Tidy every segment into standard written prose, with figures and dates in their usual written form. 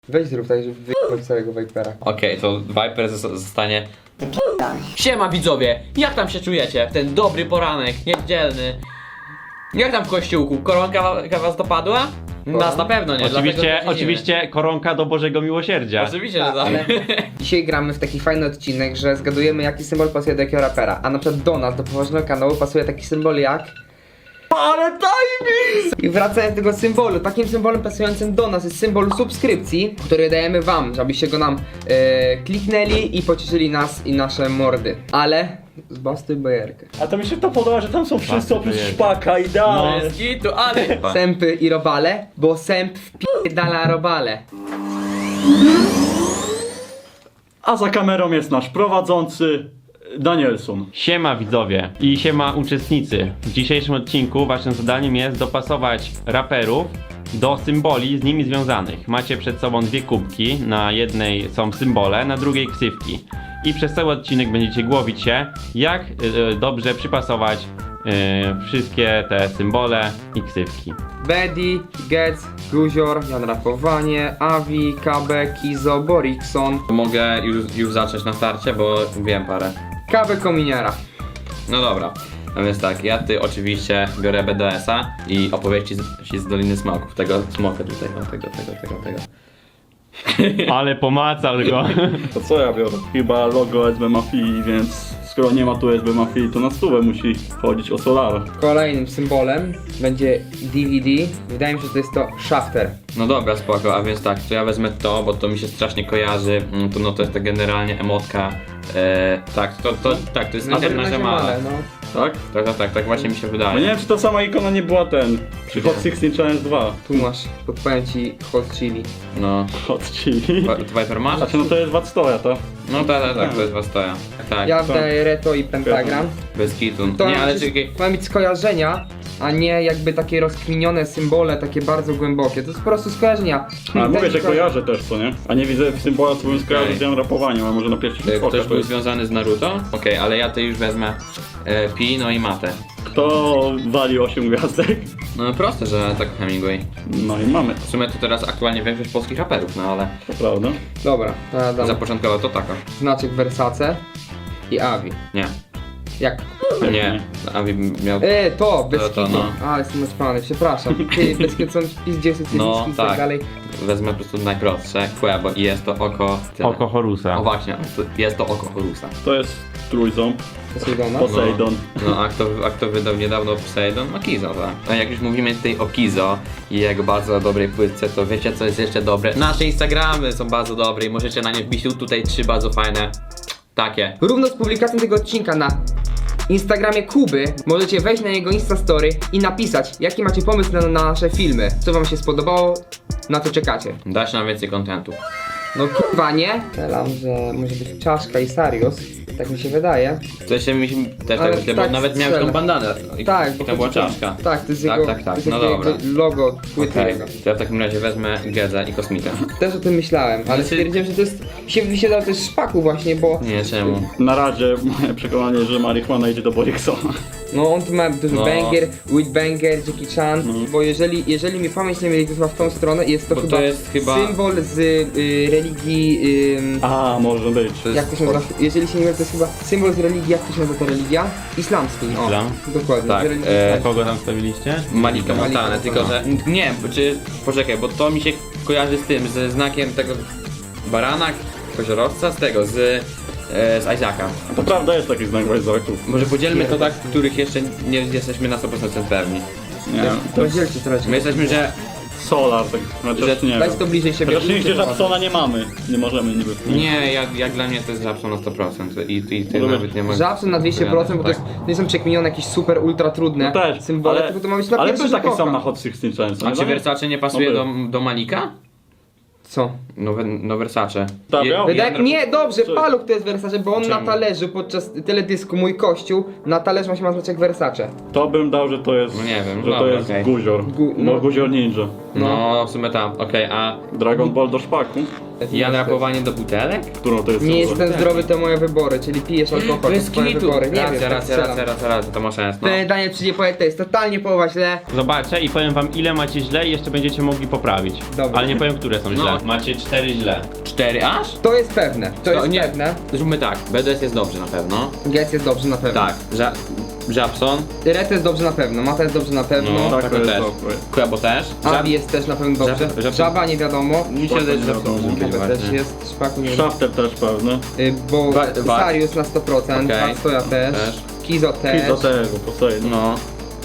Weź zrób tak, żeby wyjechać całego Vipera. Okej, to Viper zostanie... Siema widzowie, jak tam się czujecie? Ten dobry poranek, niedzielny. Jak tam w kościółku? Koronka was dopadła? Nas na pewno nie. Oczywiście koronka do Bożego Miłosierdzia. Oczywiście, że tak. Ale dzisiaj gramy w taki fajny odcinek, że zgadujemy jaki symbol pasuje do jakiego rapera. A na przykład do nas, do poważnego kanału pasuje taki symbol jak... Ale timing! I wracając do tego symbolu, takim symbolem pasującym do nas jest symbol subskrypcji, który dajemy wam, żebyście go nam kliknęli i pocieszyli nas i nasze mordy. Ale zbastuj bajerkę. A to mi się to podoba, że tam są wszyscy oprócz szpaka, idealnie. Bez gitu, ale... Sępy i robale, bo sęp wpierdala robale. A za kamerą jest nasz prowadzący Danielson. Siema widzowie i siema uczestnicy. W dzisiejszym odcinku waszym zadaniem jest dopasować raperów do symboli z nimi związanych. Macie przed sobą dwie kubki, na jednej są symbole, na drugiej ksywki. I przez cały odcinek będziecie głowić się, jak dobrze przypasować wszystkie te symbole i ksywki. Bedi, Getz, Guzior, Jan Rapowanie, Avi, Kabe, Kizo, Borikson, Mogę już zacząć na starcie, bo wiem parę. Kabe Kominiara. No dobra. A więc tak, ja oczywiście biorę BDS-a i opowieści z Doliny Smoków. Tego smoka tutaj, o tego. Ale pomacał go. To co ja biorę? Chyba logo SB Mafii, więc skoro nie ma tu SB Mafii, to na stówę musi chodzić o Solara. Kolejnym symbolem będzie DVD. Wydaje mi się, że to jest to Shafter. No dobra, spoko, a więc tak, to ja wezmę to, bo to mi się strasznie kojarzy. To jest to generalnie emotka. To jest nasze male. no. Tak? Tak właśnie mi się Bo wydaje. nie wiem, czy ta sama ikona nie była przy Hot 16 Challenge 2. Tu masz, podpowiem ci Hot Chili. No. Hot Chili. Viper masz? Znaczy no to jest Watstoja, to? No tak, to jest Wastoja. Tak, Ja wdaję Reto i Pentagram. bez kitu. To Nie, ale jest- czekaj. ma mieć skojarzenia, a nie jakby takie rozkminione symbole, takie bardzo głębokie. To jest po prostu skojarzenia. Ale mówię, Tak, że kojarzę też, co nie? A nie widzę w symbola, co bym skojarzył Okej. z Jan Rapowaniem, a może na pierwszy rzut oka Ktoś to był jest. związany z Naruto? Okej, ale ja to już wezmę Pi, no i Matę. Kto wali 8 gwiazdek? No proste, że tak Hemingway. No i mamy, W sumie to teraz aktualnie większość polskich raperów, no ale to prawda. Dobra, to ja dam zapoczątkowo to taka. znaczek Versace i Avi. Nie. Jak? Nie. Abi miał... To, bez To, kitu. no. A, jestem naćpany, przepraszam. Ty, bez kitu są pizdziesy, No, i tak. tak dalej. Wezmę po prostu najprostsze, bo i jest to oko... tyle. Oko Horusa. O właśnie, jest to oko Horusa. To jest trójząb, Poseidona. Poseidon. No, a kto wydał niedawno Poseidon? No Kizo, tak. A jak już mówimy tutaj o Kizo i jego bardzo dobrej płytce, to wiecie co jest jeszcze dobre? Nasze Instagramy są bardzo dobre i możecie na nie wbić tutaj 3 bardzo fajne takie. Równo z publikacją tego odcinka na Instagramie Kuby możecie wejść na jego Instastory i napisać, jaki macie pomysł na nasze filmy. Co wam się spodobało, na co czekacie. Dać nam więcej kontentu. No kurwa nie? Strzelam, że może być czaszka i Sarius. Tak mi się wydaje. To się mi też Ale tak myślę, tak bo nawet miałem strzelę. tą bandanę. Tak, I to była czaszka. Tak, to jest Tak, jego, tak, to jest no jego dobra. logo płyty Okej, jego. to ja w takim razie wezmę Gedza i Kosmita. Też o tym myślałem, ale Znaczy- stwierdziłem, że to jest... się wysiadał też szpaku właśnie, bo... Nie, czemu? Na razie moje przekonanie, że marihuana idzie do Boriksona. No on tu ma dużo No. banger, with banger, Jackie Chan, bo jeżeli mi pamięć nie myli, to chyba w tą stronę jest to Bo to chyba, jest chyba- symbol z religii... A, może być. To jak to się nazywa? Jeżeli się nie mylę, to jest chyba symbol z religii, jak to się nazywa ta religia? Islamskiej. Islam? O, dokładnie. Tak, z religii islamskiej. Kogo tam stawiliście? Malika Montana, Malika tylko że... Nie, czy... Poczekaj, bo to mi się kojarzy z tym, ze znakiem tego barana, koziorowca, z tego, z Isaaca. To prawda, jest taki znak Wajzaków. Może podzielmy to tak, których jeszcze nie jesteśmy na 100% pewni. Nie, To rozdzielcie teraz. My jesteśmy, że... Solar, tak, chociaż nie Daj wiem. to bliżej siebie. Chociaż nigdzie Żabsona nie mamy. Nie możemy niby. Nie, jak dla mnie to jest Żabson na 100% i ty Może nawet nie możesz... Żabson na 200%, bo to, jest, to nie są przekminione jakieś super ultra trudne No też, symbole, tylko to ma być na ale pierwszy był taki rzut sam oka. na Hot 16 Challenge. A czy Versace nie pasuje No do Malika? Co? No Versace. Tak, miał? Nie, dobrze, Co? Paluch to jest Versace, bo on Czemu? na talerzu podczas teledysku Mój Kościół, na talerzu właśnie ma znaczek Versace. To bym dał, że to jest. No nie wiem, że to dobra, jest okej. Guzior. No. No Guzior Ninja. No, w sumie tam, okej, a... Dragon Ball do szpaku. Ja napowanie do butelek? Którą to jest Nie osoba? jestem zdrowy, to moje wybory, czyli pijesz alkohol, to twoje wybory. Nie wiem, tak strzelam. Racja, to ma sens, no. Ten Daniel przyjdzie powiedzieć, to jest totalnie połowa źle. Zobaczę i powiem wam ile macie źle i jeszcze będziecie mogli poprawić. Dobra. Ale nie powiem, które są źle. Macie 4 źle. 4 aż? To jest pewne, to jest nie. pewne. Zróbmy tak, BDS jest dobrze na pewno. Gets jest dobrze na pewno. Tak, Japson. Ret jest dobrze na pewno, Mata jest dobrze na pewno. No, tak, tak to jest też. dobre. Kuebo też. Abi jest też na pewno dobrze. Żaba nie wiadomo. Mi się wydaje, że Japson może być Żaba też właśnie. jest, Szpaku nie Shafter też pewny. Bo Wa- Sarius na 100%, Okej. Watstoja też, Też. Kizo też. I do tego, Poseidon. No.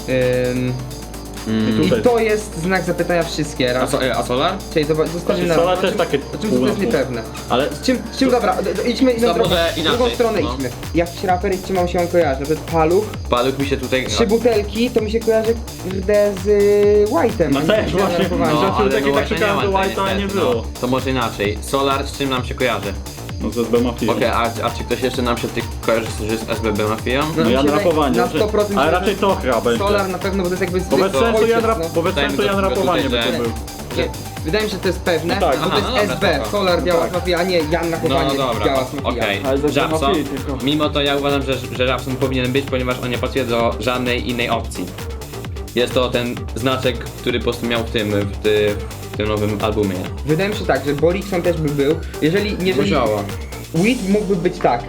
I Tutaj. to jest znak zapytania wszystkie raz. A Solar? Czyli zostawimy na Solar raz. też takie O czym to pół na jest pół. niepewne? Ale Z czym dobra, idźmy To drogą, może w drugą inaczej, stronę no. idźmy. Jakiś raper i czym się on kojarzy? Na przykład Paluch, Paluch mi się tutaj... 3 butelki, to mi się kojarzy kurde z White'em. No też właśnie, No, rzeczy takie tak właśnie szukałem, ma to tutaj White'a nie niestety, było. no. To może inaczej. Solar z czym nam się kojarzy? No z SB Mafia. Okej, a czy ktoś jeszcze nam się kojarzy że z SBB Mafią? No, No ja mi się rapowanie. na 100% Ale że- raczej to chyba będzie. Solar na pewno, bo to jest jakby Bo bez zwykły sensu ojciec, Jan, no. bo bez Dajmy sensu do- Jan do rapowanie by tutaj, to że- był. Nie, wydaje mi się, że to jest pewne, No tak, bo to jest aha, no dobra, SB, spoko. Solar działa Tak. z Mafia, a nie Jan na chowanie No dobra, działa z Mafia. okej. Ale ze Japson, Mafii tylko. mimo to ja uważam, że Japson powinien być, ponieważ on nie pasuje do żadnej innej opcji. Jest to ten znaczek, który po prostu miał w tym nowym albumie. Wydaje mi się tak, że Borikson też by był, jeżeli Musiała. Weed mógłby być tak.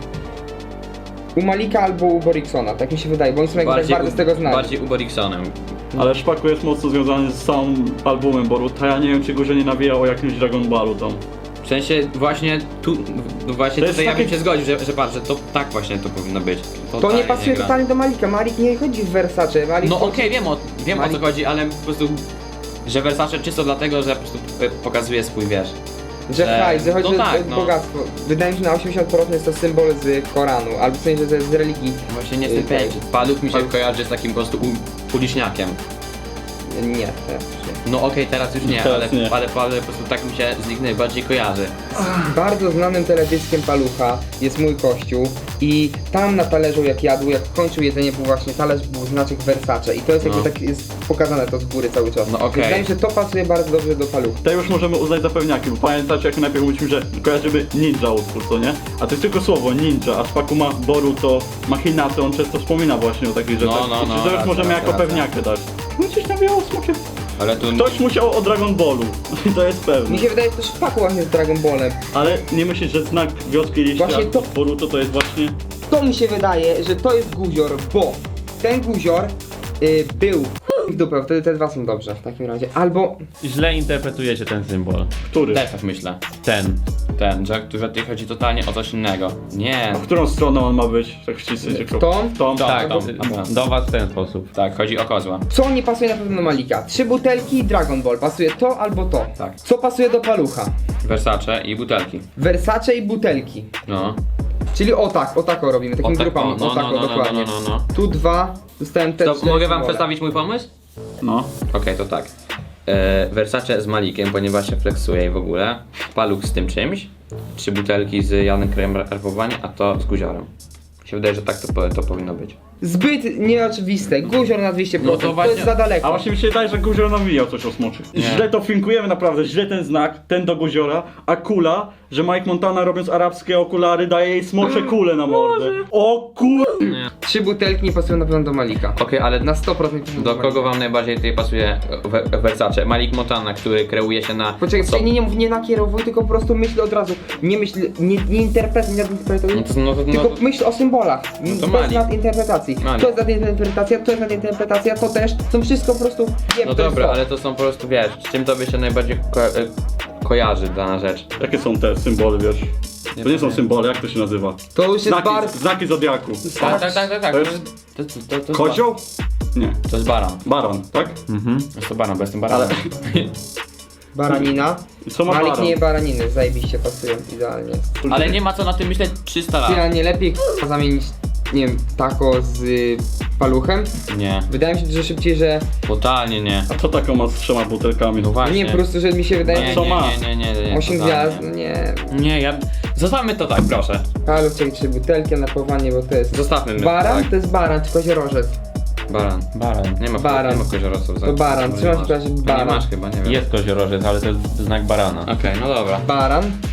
U Malika albo u Boriksona, tak mi się wydaje, bo oni są jakby tak bardzo z tego znani. Bardziej u Boriksonem. Ale Szpaku jest mocno związany z samym albumem Boruta. Ja nie wiem, czy go że nie nawijał o jakimś Dragon Ballu tam. W sensie właśnie tu, właśnie To jest tutaj ja bym taki- się zgodził, że patrz, że to tak właśnie to powinno być. To Totalnie nie pasuje gra. totalnie do Malika, Malik nie chodzi w Versace, Malik No chodzi- okej, wiem o co Malik- chodzi, ale po prostu, że Versace czysto dlatego, że po prostu pokazuje swój, wiesz. Że hajs, że chodzi no o tak, o no. bogactwo. Wydaje mi się, że na 80% jest to symbol z Koranu, albo w sensie, że jest z religii. Właśnie nie jestem pewien. Paluch mi się kojarzy z takim po prostu uliczniakiem. Nie, też nie. No okej, teraz już nie, Teraz nie. ale po prostu tak mi się z nich najbardziej kojarzy. Bardzo znanym teledyskiem Palucha jest Mój Kościół i tam na talerzu jak jadł, jak kończył jedzenie był właśnie talerz, był znaczek Versace i to jest jakby No. tak jest pokazane to z góry cały czas. No okej. Wydaje mi się, że to pasuje bardzo dobrze do Palucha. Te już możemy uznać za pewniaki, bo pamiętacie jak najpierw mówiliśmy, że kojarzymy ninja utwór, co nie? A to jest tylko słowo ninja, a Szpaku ma Boruto, ma Hinata, on często wspomina właśnie o takich rzeczach. No, I to już racja, możemy jako racja. pewniakę dać. No coś nawiało smokiem. Ale tu... Ktoś musiał o Dragon Ballu, to jest pewne. Mi się wydaje, że to Szpaku właśnie z Dragon Ballem. Ale nie myślisz, że znak wioski liścia Właśnie to- Boruto to jest właśnie... To mi się wydaje, że to jest guzior, bo ten guzior był w dupę, wtedy te dwa są dobrze w takim razie. Albo Źle interpretujecie ten symbol. Który? Też tak myślę. Ten. Ten, że tutaj chodzi totalnie o coś innego. Nie. A w którą stronę on ma być? Tak ścisnę cię. W tą? W tą? Tak, Dobra. do was w ten sposób. Tak, chodzi o kozła. co nie pasuje na pewno do Malika? 3 butelki i Dragon Ball. Pasuje to albo to. Tak. Co pasuje do Palucha? Versace i butelki. Versace i butelki. No. Czyli o tak robimy, takimi O tak, grupami. no, O tak, no, no, dokładnie. no. Tu 2, dostałem te To 4 mogę wam symbole. przedstawić mój pomysł? No. Okej, to tak. Versace z Malikiem, ponieważ się flexuje i w ogóle. Paluch z tym czymś. 3 butelki z Janem Krajem Rapowania, a to z Guziorem. Mi się wydaje, że tak to powinno być. Zbyt nieoczywiste. Guzior na 200%. No to to właśnie- jest za daleko. A właśnie mi się wydaje, że Guzior nawijał coś o smoczy. Nie. Źle to finkujemy naprawdę, źle ten znak, ten do Guziora, a kula, że Mike Montana robiąc arabskie okulary daje jej smocze kule na mordę. O kur... Nie. 3 butelki nie pasują na pewno do Malika. Okej, ale Na 100% pasują do Malika. kogo wam najbardziej tutaj pasuje Versace? Malik Montana, który kreuje się na... Poczekaj, nie mów, nie nakierowuj, tylko po prostu myśl od razu. Nie myśl, nie interpretuj, nie nadinterpretuj. Tylko myśl o symbolach. to to jest Malik. nadinterpretacji. Malik. To jest nadinterpretacja, to jest nadinterpretacja, to też. Są wszystko po prostu. Nie, No to jest dobra, to. ale to są po prostu, wiesz, z czym tobie się najbardziej kojarzy dana rzecz? Jakie są te symbole, wiesz? To nie są powiem. symbole, jak to się nazywa? To już jest Znaki, bardzo. znaki Zodiaku. Tak. To jest To kozioł? Nie. To jest baran. Baran, tak? Jest to baran, bo jestem baranem. Baranina. I co ma Malik baran? nie je baraniny, zajebiście pasują, idealnie. Ale nie ma co na tym myśleć 300 Ty, a lat. nie lepiej zamienić, nie wiem, taco z paluchem? Nie, Wydaje mi się, że szybciej, że. totalnie nie. A co taką ma z 3 butelkami? No właśnie. Nie, po prostu, że mi się wydaje, Nie, że. Co ma? nie, 8 totalnie. gwiazd, nie. Nie, ja... Zostawmy to tak, proszę. Paluch, czyli 3 butelki, a napawanie, bo to jest. Zostawmy my Baran? tak. To jest baran, czy koziorożec? Baran. Baran. Nie ma, Baran. nie ma koziorosów. To baran, trzymaj się w razie Nie baran. masz chyba, nie wiem. Jest koziorożec, ale to jest znak barana. Okej, no dobra. Baran.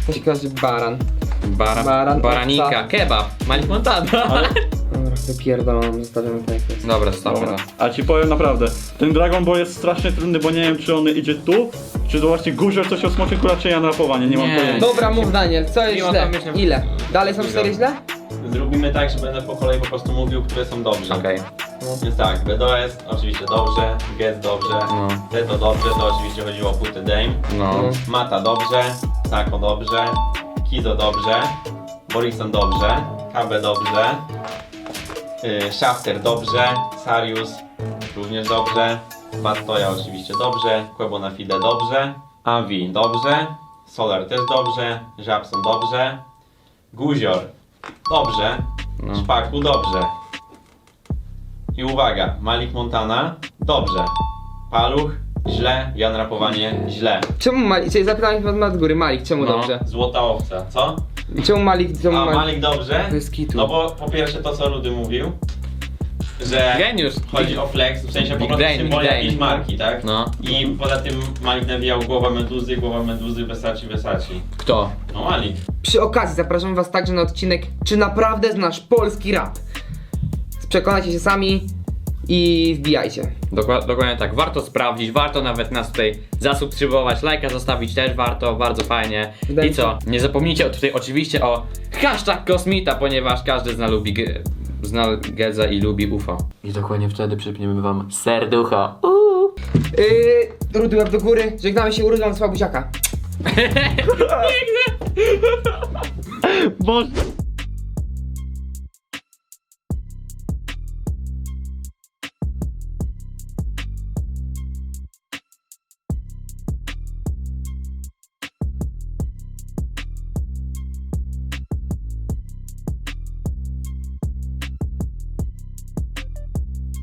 Ciekawy baran. Baran, Baranika, owca. kebab, Malik Montana. Dobra, wypierdolą, zostawiamy tak jak jest. Dobra, stop. Dobra. A ci powiem naprawdę, ten Dragon Ball jest strasznie trudny, bo nie wiem czy on idzie tu, czy to właśnie Guzior coś o smoczyku, raczej ja na rapowanie, nie mam Nie. pojęcia. Dobra, mów Daniel, co jest Mimo źle? tam myślę- Ile? Dalej są 4 źle? Zrobimy tak, że będę po kolei po prostu mówił, które są dobrze. Okej. Więc tak, BDOS oczywiście dobrze, Get dobrze, No. Zeto dobrze, to oczywiście chodziło o Putty Dame, No. Mata dobrze, Sako dobrze, Kizo dobrze, Borison dobrze, KB dobrze, Shafter dobrze, Sarius również dobrze, Bastoja oczywiście dobrze, Quebo na Fide dobrze, Avi dobrze, Solar też dobrze, Żabson dobrze, Guzior dobrze, No. Szpaku dobrze. I uwaga, Malik Montana dobrze, Paluch źle, Jan Rapowanie źle. Czemu Malik, czyli zapytałem się od góry, Malik, czemu No. dobrze? Złota owca, co? Czemu Malik, czemu A Malik? Malik dobrze? Bez kitu. No bo po pierwsze to co Rudy mówił, że Geniusz. chodzi o flex, w sensie po Big prostu brain, symbol big brain. jakiejś marki, tak? No. I poza tym Malik nawijał głowa meduzy, Versace. Kto? No Malik. Przy okazji zapraszam was także na odcinek Czy naprawdę znasz polski rap? Przekonajcie się sami i wbijajcie. Dokładnie tak, warto sprawdzić, warto nawet nas tutaj zasubskrybować, lajka zostawić też warto, bardzo fajnie. Wydaje I mi się- co? Nie zapomnijcie tutaj oczywiście o hashtag Kosmita, ponieważ każdy zna Gedza i lubi UFO. I dokładnie wtedy przypniemy wam serducho. Rudy łeb do góry, żegnamy się, urodzą słabuziaka. Boże.